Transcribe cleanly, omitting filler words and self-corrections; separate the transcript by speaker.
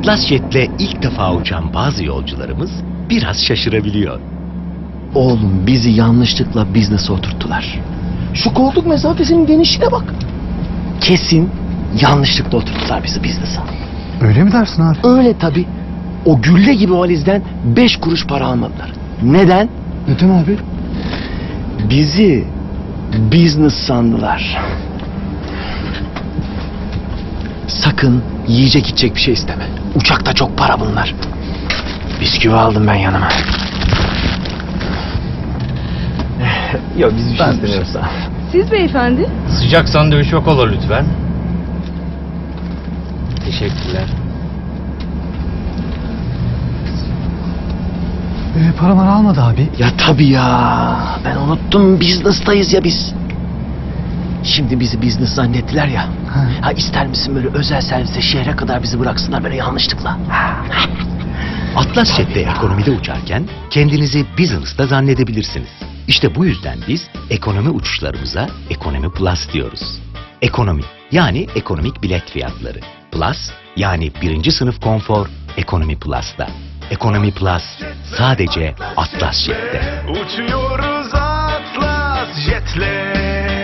Speaker 1: Atlas Jet'le ilk defa uçan bazı yolcularımız biraz şaşırabiliyor.
Speaker 2: Oğlum bizi yanlışlıkla business'a oturttular. Şu koltuk mesafesinin genişliğine bak. Kesin yanlışlıkla oturttular bizi business'a.
Speaker 3: Öyle mi dersin abi?
Speaker 2: Öyle tabii. O gülle gibi valizden 5 kuruş para almadılar. Neden?
Speaker 3: Neden abi?
Speaker 2: Bizi business sandılar. Sakın yiyecek içecek bir şey isteme. Uçakta çok para bunlar. Bisküvi aldım ben yanıma. Yok biz bir şey istemiyoruz daha.
Speaker 4: Siz beyefendi?
Speaker 5: Sıcak sandviç yok olur lütfen. Teşekkürler.
Speaker 3: Paramı almadı abi.
Speaker 2: Ya tabii ya. Ben unuttum, business'tayız ya biz. Şimdi bizi business zannettiler ya. Ha ister misin böyle özel servise şehre kadar bizi bıraksınlar böyle yanlışlıkla?
Speaker 1: Atlas Jet'te ekonomide uçarken kendinizi business'ta zannedebilirsiniz. İşte bu yüzden biz ekonomi uçuşlarımıza Ekonomi Plus diyoruz. Ekonomi yani ekonomik bilet fiyatları. Plus yani birinci sınıf konfor Ekonomi Plus'ta. Ekonomi Plus sadece Atlas Jet'te.
Speaker 6: Uçuyoruz Atlas Jet'le.